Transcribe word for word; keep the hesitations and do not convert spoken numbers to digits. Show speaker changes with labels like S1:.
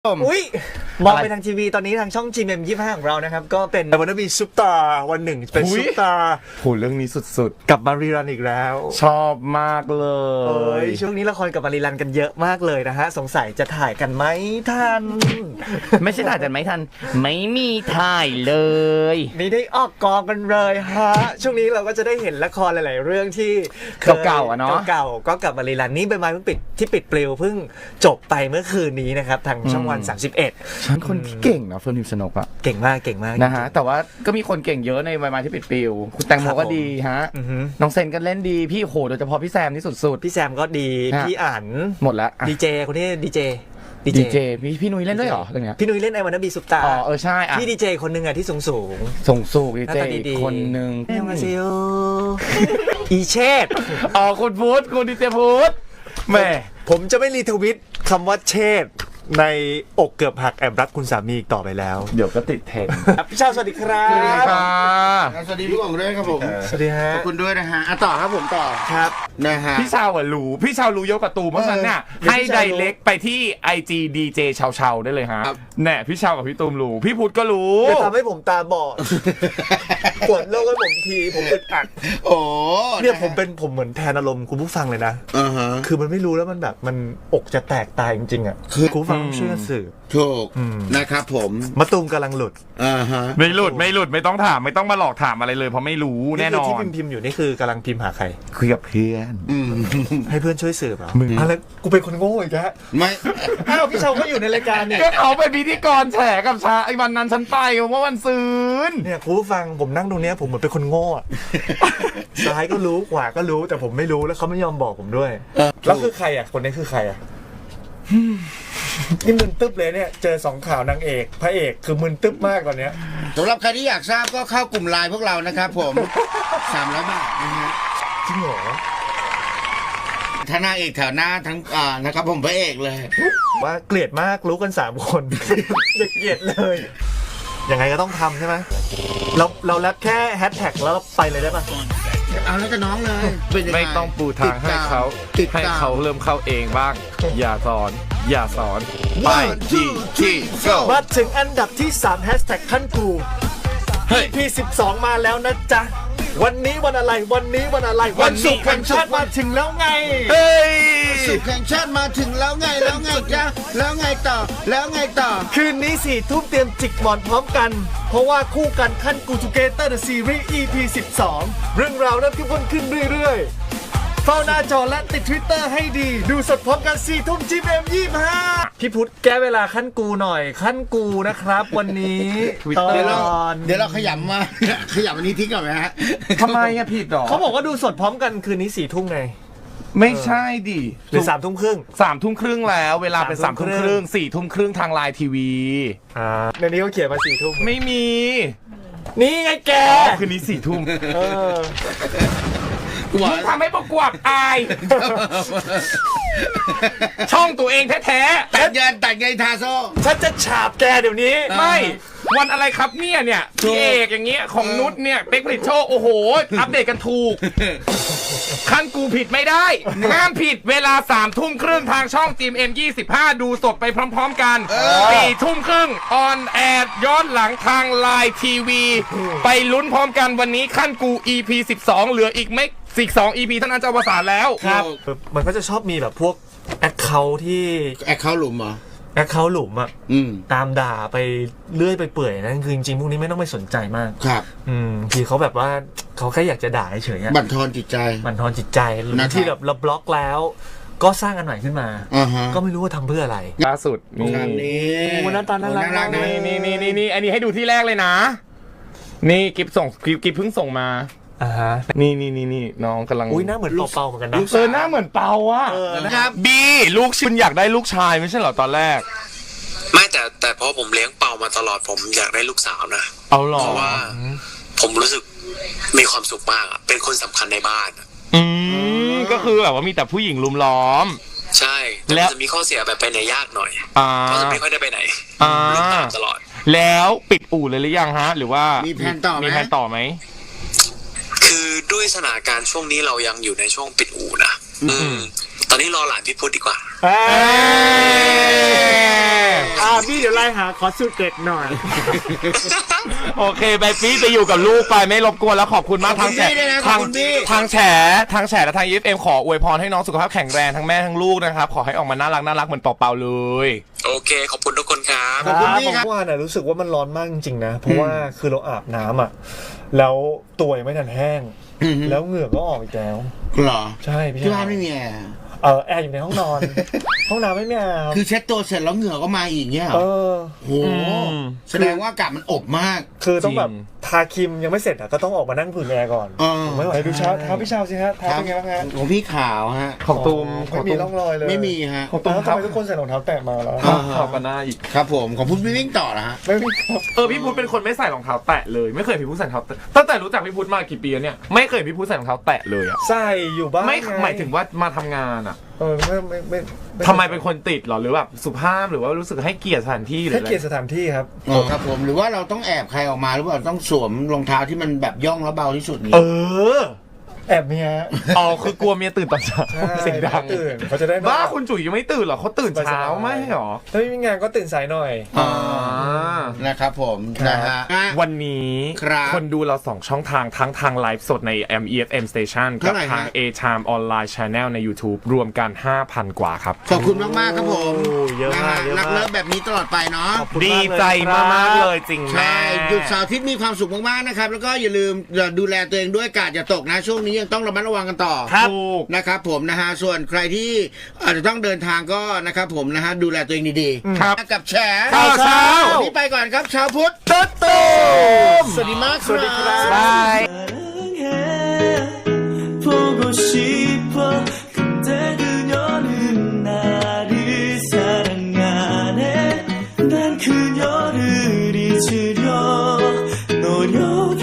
S1: อุ้ยมองไปทางทีวีตอนนี้ทางช่อง จี เอ็ม ยี่สิบห้าของเรานะครับก็เป็นวันนี้มีซุปตาวันหนึ่งเป็นซุปตา
S2: โหเรื่องนี้สุด
S1: ๆกับมารีรันอีกแล้ว
S2: ชอบมากเลย
S1: ช่วงนี้ละครกับมารีรันกันเยอะมากเลยนะฮะสงสัยจะถ่ายกันไหมทัน
S2: ไม่ใช่ถ่ายกันไหมทันไม่มีถ่ายเลย
S1: นี่ได้ออกกองกันเลยฮะช่วงนี้เราก็จะได้เห็นละครหลายๆเรื่องที่
S2: เก่าๆอ่ะเนาะ
S1: เก่าๆก็กับมารีรันนี่ใบไม้เพิ่งปิดที่ปิดปลิวเพิ่งจบไปเมื่อคืนนี้นะครับทางช่องวันสามสิบเอ็ด
S2: ฉันคนที่เก่งเนาะเฟิร์นพิมพ์ชนกอะ
S1: เก่งมากเก่งมาก
S2: นะฮะแต่ว่าก็มีคนเก่งเยอะในใบไม้ที่ปิดปลิวคุณแตงโมก็ดีฮะน้องเซนก็เล่นดีพี่โหโดยเฉพาะพี่แซมนี่สุด
S1: ๆพี่แซมก็ดีพี่อ่าน
S2: หมดแล้ว
S1: ดีเจคนนี้ดีเจ
S2: ดีเจพี่พี่นุ้ยเล่นด้วยเหรอเรื่องเนี้ย
S1: พี่นุ้ยเล่นไอ้วันนั้นบีซุปตา
S2: อ๋อเออใช่อ่ะ
S1: พี่ดีเจคนนึงอะที่สูงสูง
S2: ส่งสูงดีเจคนนึง
S1: เรียกมาซิโออีเชษ
S2: อ๋อคุณพุทธคุณดีเจพุทธแม่
S1: ผมจะไม่รีทวิตคำว่าเชษในอกเกือบหักแอบรักคุณสามีอีกต่อไปแล้ว
S2: เดี๋ยวก็ติดเทรนด์
S1: พี่ชาวสวัสดีครับ
S2: สวัสดีค่ะ
S3: สวัสดีพี่กองด้วยครับผม
S1: สวัสดีฮะ
S3: ขอบคุณด้วยนะฮะอ่ะต่อครับผมต่อ
S1: ครับ
S3: นะฮะ
S2: พี่ชาวอ่ะรู้พี่ชาวรู้เยอะกว่าตูเพราะฉะนั้นเนี่ยให้ไดเรกไปที่ ไอ จี ดี เจ ชาวชาวได้เลยฮะแน่พี่ชาวกับพี่ตูมรู้พี่พุทธก็รู้
S1: จะทำให้ผมตาบอดกดโลกให้ผมทีผมอึดอัด
S3: โอ้
S1: เนี่ยผมเป็นผมเหมือนแทนอารมณ์คุณผู้ฟังเลยนะคือมันไม่รู้แล้วมันแบบมันอกจะแตกตายจริงๆอ่ะคือคุณผู้ฟังช่วยกันสืบ
S3: ถูกนะครับผม
S1: มะตูมกำลังหลุด
S3: อ่าฮะ
S2: ไม่หลุดไม่หลุดไม่ต้องถามไม่ต้องมาหลอกถามอะไรเลยเพราะไม่รู้แน่นอน
S1: ที่พิมพ์พิมพ์อยู่นี่คือกำลังพิมพ์หาใคร
S2: คุยกับเพื่อน
S1: ให้เพื่อนช่วยสืบอ่ะอะไรกูเป็นคนโง่อีกแล้ว
S3: ไม่
S1: อ้าวพี่ชาวก็อยู่ในรายการเนี่ย
S2: ก็เขาเป็นพิธีกรแฉกับชาไอ้วันนั้นฉันไปเมื่อวันซืน
S1: เนี่ยคุณผู้ฟังผมนั่งตรงเนี้ยผมเหมือนเป็นคนโง่ซ้ายก็รู้ขวาก็รู้แต่ผมไม่รู้แล้วเขาไม่ยอมบอกผมด้วยแล้วคือใครอ่ะคนนี้คือใครอ่ะนี่มึนตึ๊บเลยเนี่ยเจอสองข่าวนางเอกพระเอกคือมึนตึ๊บมากตอนเนี้ย
S3: สำหรับใครที่อยากทราบก็เข้ากลุ่มไลน์พวกเรานะครับผมสามร้อยบาทนะฮะ
S1: จริงเหรอ
S3: ถ้านางเอกแถวหน้าทั้งอ่านะครับผมพระเอกเลย
S1: ว่าเกลียดมากรู้กันสามคนอย่าเกลียดเลยยังไงก็ต้องทำใช่ไหมเราเราแล้วแค่แฮชแท็กแล้วไปเลยได้ป่ะ
S3: เอาแล้วก็น้องเลย
S2: ไม่ต้องปูทางให้เขาให้เขาเริ่มเข้าเองบ้างอย่าสอนอย่าสอนไปที่ที่
S1: มาถึงอันดับที่สามแฮชแท็กขั้นกู อี พี สิบสองมาแล้วนะจ๊ะวันนี้วันอะไรวันนี้วันอะไรวันศุกร์แห่งชาติมาถึงแล้วไง
S2: เฮ้ย
S3: ศุกร์แห่งชาติมาถึงแล้วไงแล้วไงจ๊ะแล้วไงต่อแล้วไงต่อ
S1: คืนนี้สี่ทุ่มเตรียมจิกหมอนพร้อมกันเพราะว่าคู่กันขั้นกูทูเกเตอร์เดอะซีรีส์ อี พี สิบสองเรื่องราวเริ่มเข้มข้นขึ้นเรื่อยๆเฝ้าหน้าจอและติด Twitter ให้ดีดูสดพร้อมกันสี่ทุ่ม จี เอ็ม ยี่สิบห้าพี่พุทธแก้เวลาขั้นกูหน่อยขั้นกูนะครับวันนี้
S3: ตอนเดี๋ยวเราขยำมาขยำวันนี้ทิ้งก่อนไหมฮะ
S2: ทำไมอะผิดหรอ
S1: เขาบอกว่าดูสดพร้อมกันคืนนี้สี่ทุ่มไง
S2: ไม่ใช่ดิ
S1: หรือสามทุ่มครึ่ง
S2: สามทุ่มครึ่งแล้วเวลาเป็นสามทุ่มครึ่งสี่ทุ่มครึ่งทางไลน์ทีวี
S1: อ่าในนี้เขาเขียนมาสี่ทุ่ม
S2: ไม่มี
S1: นี่ไงแก
S2: คืนนี้สี่ทุ่ม
S1: มึง
S2: ทำให้ประกวดอายช่องตัวเองแท้
S3: ๆตัดเงินตัดเงินทาโซ่
S1: ฉันจะฉาบแกเดี๋ยวนี้
S2: ไม่วันอะไรครับเนี่ยเนี่ยพี่เอกอย่างเงี้ยของนุชเนี่ยเป๊กผลิตโชคโอ้โหอัปเดตกันถูกขั้นกูผิดไม่ได้ห้ามผิดเวลาสามทุ่มครึ่งทางช่อง จี เอ็ม ยี่สิบห้าดูสดไปพร้อมๆกันสี่ทุ่มครึ่งออนแอร์ย้อนหลังทางไลน์ทีวีไปลุ้นพร้อมกันวันนี้ขั้นกู อี พี สิบสองเหลืออีกไม่สิบสอง อี พี เท่านั้นจะอวสานแล้ว
S1: ครับมันก็จะชอบมีแบบพวกแอคเคาท์ที่
S3: แอคเคาท์หลุมเหรอ
S1: แอคเคาท์หลุมอ่ะตามด่าไปเลื่อยไปเปื่อยนะคือจริงๆพวกนี้ไม่ต้องไปสนใจมาก
S3: ครับ
S1: อืมทีเขาแบบว่าเขาแค่อยากจะด่าเฉยๆ
S3: บั่นทอนจิตใจ
S1: บั่นทอนจิตใจที่แบบเราบล็อกแล้วก็สร้างอันใหม่ขึ้นมาก็ไม่รู้ว่าทำเพื่ออะไร
S2: ล่าสุด
S3: นี่
S1: วันนั้นตอนนั้นรัก
S2: นี่นี่นี่นี่นี่อันนี้ให้ดูที่แรกเลยนะนี่กิฟส่งกิฟกิฟเพิ่งส่งมา
S1: อ่าฮะ
S2: นี่นี่นี่นี่น้องกำลัง
S1: อุ้ยหน้าเหมือนเปาๆเหมือนกันนะ
S2: เออหน้าเหมือนเปาอ่ะ
S3: นะครับ
S2: บีลูกคุณอยากได้ลูกชายไม่ใช่เหรอตอนแรก
S4: ไม่แต่แต่พอผมเลี้ยงเปามาตลอดผมอยากได้ลูกสาวนะ
S2: เอาหรอ
S4: เพราะว่าผมรู้สึกมีความสุขมากอ่ะเป็นคนสำคัญในบ้าน
S2: อืมก็คือแบบว่ามีแต่ผู้หญิงลุมล้อม
S4: ใช่แล้วจะมีข้อเสียแบบไปไหนยากหน่อยก็จะไม่ค่อยได้ไปไหนลูกตามตลอด
S2: แล้วปิดอู่เลยหรือยังฮะหรือว่า
S3: มีแผนต่อไหม
S2: มีแผนต่อไหม
S4: คือด้วยสถานการณ์ช่วงนี้เรายังอยู่ในช่วงปิดอู่นะอืมตอนนี้รอหลานพี่พุทธดีกว่า
S1: เอ้ยอ่าพี่เดี๋ยวไล่หาขอสูตรเด็ดหน่อย
S2: โอเคไปปี้ไปอยู่กับลูกไปไม่รบกวนแล้วขอบคุณมากทางแฉทางทางแฉทางแฉและทาง อี เอฟ เอ็ม ขออวยพรให้น้องสุขภาพแข็งแรงทั้งแม่ทั้งลูกนะครับขอให้ออกมาน่ารักน่ารักเหมือนเป่าๆเลย
S4: โอเค ขอบคุณทุกคนครับ
S3: ขอบคุณพี่ครับ
S1: เมื่อวานน่ะรู้สึกว่ามันร้อนมากจริงๆนะเพราะว่าคือเราอาบน้ำอ่ะแล้วตัวยังไม่ทันแห้ง
S3: อือฮึ
S1: แล้วเหงื่อก็ออกอีกแล้ว
S3: เหรอ
S1: ใช่พี่
S3: ที่บ้านไม่มีแอร์
S1: เออแอร์อยู่ในห้องนอน ห้องน้ำไม่มีแอร์
S3: คือเช็ดตัวเสร็จแล้วเหงื่อก็มาอีกเนี่ยเหร
S1: เอ
S3: อ
S1: อ
S3: โหแสดงว่าอากาศมันอบมาก
S1: คือต้องแบบ
S2: จริง
S1: ทาครีมยังไม่เสร็จอ่ะก็ต้องออกมานั่งผึ่งแอร์ก่อน
S3: เออ
S1: ไม่ไหวดูเช้าเท้าพี่เช้าสิฮะเท้าเป็นไงบ้างฮะ
S3: ของพี่ขาวฮะ
S2: ของตูมข
S1: ไม่
S2: อง
S1: มี
S2: ตูม
S1: ร่องรอยเลย
S3: ไม่มีฮะ
S1: ของตูมทำไมทุกคนใส่รองเท้าแตะมาแล้ว
S3: อ่า
S2: เข้ากันหน้าอีก
S3: ครับผมของพุทธวิ่งต่อนะฮะ
S1: ไม่มีครับ
S2: เออพี่พุทธเป็นคนไม่ใส่รองเท้าแตะเลยไม่เคยเห็นพี่พุทธใส่รองเท้าแตะตั้งแต่รู้จักพี่พุทธมากี่ปีแล้วเนี่ยไม่เคยเห็นพี่พุทธใส่รองเท้าแตะเลยอะ
S1: ใส่อยู่บ้าง
S2: ไม่
S1: ง
S2: หมายถึงว่ามาทำงานอะ
S1: เออไม่ไม่ไม่
S2: ทำไมเป็นคนติดเหรอหรือแบบสุภาพหรือว่ารู้สึกให้เกียรติสถานที่หรือ
S1: ให้
S2: อะไร
S1: เกียรติสถานที่ครับ
S3: อ๋อครับผมหรือว่าเราต้องแอบใครออกมาหรือเปล่าต้องสวมรองเท้าที่มันแบบย่องแล้วเบาที่สุดนี้
S2: เออ
S1: แอบเมีย
S2: อ๋อคือกลัวเมียตื่นตอนเช้า
S1: ใช่
S2: เสียงดัง
S1: ตื่นเขาจะได้
S2: บ้าคุณจุ๋ยยังไม่ตื่นเหรอเขาตื่นเช้าไม่เหรอ
S1: ถ้าไม่มีงานก็ตื่นสายหน่อย
S3: อ่านะครับผม
S1: ครับ
S3: นะฮะอ่ะ
S2: วันนี้
S3: ครับ
S2: คนดูเราสองช่องทางทั้งทางไลฟ์สดใน เอ็ม อี เอฟ เอ็ม Station กั
S3: เท่า
S2: บ
S3: ไหร่
S2: ทาง
S3: ฮะ
S2: A-Time Online Channel ใน YouTube รวมกัน ห้าพัน กว่าครับ
S3: ขอบคุณมากๆครับผม
S1: โอ้เยอะ
S3: นะ
S1: มาก
S3: ฮะ
S1: เยอะ
S3: รัก
S1: มา
S3: เลิ
S1: ก
S3: ฟแบบนี้ตลอดไปเนาะ
S1: ขอบคุณ
S2: ดี
S1: มากเลย
S2: ใจ
S1: ครับ
S2: มากๆเลยจริงแม่
S3: ใช่หยุดเสาร์อาทิตย์มีความสุขมากๆนะครับแล้วก็อย่าลืมดูแลตัวเองด้วยกาดอย่าตกนะช่วงนี้ยังต้องระมัดระวังกันต่อ
S2: ครับ
S3: นะครับผมนะฮะส่วนใครที่อาจจะต้องเดินทางก็นะครับผมนะฮะดูแลตัวเองดีๆ
S2: ครับ
S3: กับแชร์
S2: ข่าวเช้า
S3: วันนี้ไปก่อนครับชาวพุทธ
S2: ตุ๊ดตูม
S3: สวัสดีมาก
S1: สวัสดีครับ
S2: บาย
S5: 보고 싶어 그때 그녀는 나를 사랑하네 난 그녀를 잊으려 노력